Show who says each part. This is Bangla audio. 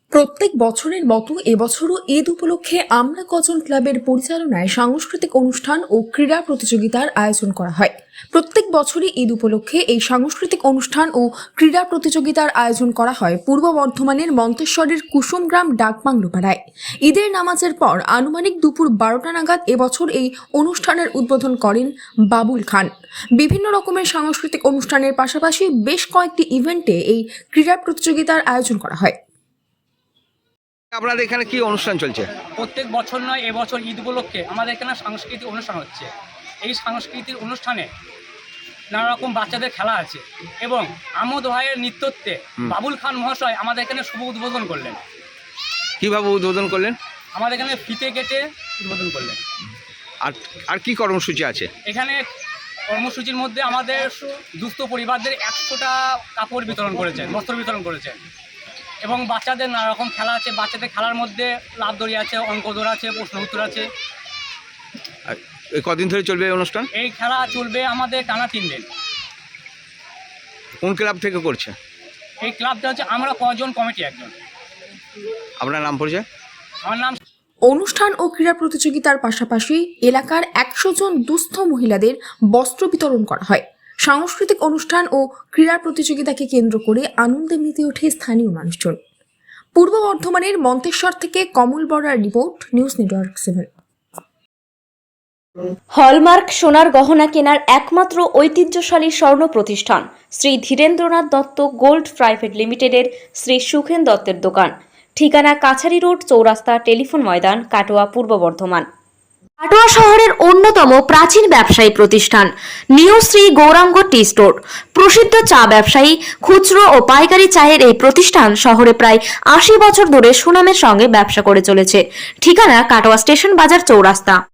Speaker 1: প্রত্যেক বছরের মতো এবছরও ঈদ উপলক্ষে আমরা কজন ক্লাবের পরিচালনায় সাংস্কৃতিক অনুষ্ঠান ও ক্রীড়া প্রতিযোগিতার আয়োজন করা হয়। প্রত্যেক বছরই ঈদ উপলক্ষে এই সাংস্কৃতিক অনুষ্ঠান ও ক্রীড়া প্রতিযোগিতার আয়োজন করা হয় পূর্ব বর্ধমানের মন্তেশ্বরের কুসুমগ্রাম ডাকবাংলোপাড়ায়। ঈদের নামাজের পর আনুমানিক দুপুর 12টা নাগাদ এবছর এই অনুষ্ঠানের উদ্বোধন করেন বাবুল খান। বিভিন্ন রকমের সাংস্কৃতিক অনুষ্ঠানের পাশাপাশি বেশ কয়েকটি ইভেন্টে এই ক্রীড়া প্রতিযোগিতার আয়োজন করা হয়।
Speaker 2: আপনাদের এখানে কি অনুষ্ঠান চলছে?
Speaker 3: প্রত্যেক বছর নয়, এবছর ঈদ উপলক্ষে আমাদের এখানে সাংস্কৃতিক অনুষ্ঠান হচ্ছে। এই সাংস্কৃতিক অনুষ্ঠানে নানা রকম বাচ্চাদের খেলা আছে এবং আমোদ ভাইয়ের নৃত্যত্বে বাবুল খান মহাশয় আমাদের এখানে শুভ উদ্বোধন করলেন।
Speaker 2: কিভাবে উদ্বোধন করলেন?
Speaker 3: আমাদের এখানে ফিতে কেটে উদ্বোধন করলেন।
Speaker 2: আর কি কর্মসূচি আছে
Speaker 3: এখানে? কর্মসূচির মধ্যে আমাদের দুস্থ পরিবারদের 100টা কাপড় বিতরণ করেছেন, বস্ত্র বিতরণ করেছেন এবং বাচ্চাদের নানা রকম খেলা আছে। বাচ্চাদের খেলার মধ্যে লাভ দড়ি আছে, অঙ্ক দৌড় আছে, প্রশ্ন উত্তর আছে।
Speaker 2: কদিন ধরে চলবে এই অনুষ্ঠান?
Speaker 3: এই খেলা চলবে আমাদের টানা 3 দিন।
Speaker 2: কোন ক্লাব থেকে করছে?
Speaker 3: এই ক্লাবটা হচ্ছে আমরা কজন কমিটি একজন।
Speaker 2: আপনার নাম পরিচয়?
Speaker 3: আমার নাম।
Speaker 1: অনুষ্ঠান ও ক্রীড়া প্রতিযোগিতার পাশাপাশি এলাকার 100 জন দুস্থ মহিলাদের বস্ত্র বিতরণ করা হয়। সাংস্কৃতিক অনুষ্ঠান ও ক্রীড়া প্রতিযোগিতাকে কেন্দ্র করে আনন্দে মেতে ওঠে স্থানীয় মানুষজন। পূর্ব বর্ধমানের মন্তেশ্বর থেকে Kamal Barar report, news network 7।
Speaker 4: Hallmark সোনার গহনা কেনার একমাত্র ঐতিহ্যশালী স্বর্ণ প্রতিষ্ঠান শ্রী ধীরেন্দ্রনাথ দত্ত গোল্ড প্রাইভেট লিমিটেডের শ্রী সুখেন দত্তের দোকান। ঠিকানা কাছারি রোড, চৌরাস্তা, টেলিফোন ময়দান, কাটোয়া, পূর্ব বর্ধমান। কাটোয়া শহরের অন্যতম প্রাচীন ব্যবসায়ী প্রতিষ্ঠান new Shri Gouranga tea store. প্রসিদ্ধ চা ব্যবসায়ী, খুচরো ও পাইকারি চায়ের এই প্রতিষ্ঠান শহরে প্রায় 80 বছর ধরে সুনামের সঙ্গে ব্যবসা করে চলেছে। ঠিকানা কাটোয়া স্টেশন বাজার, চৌরাস্তা।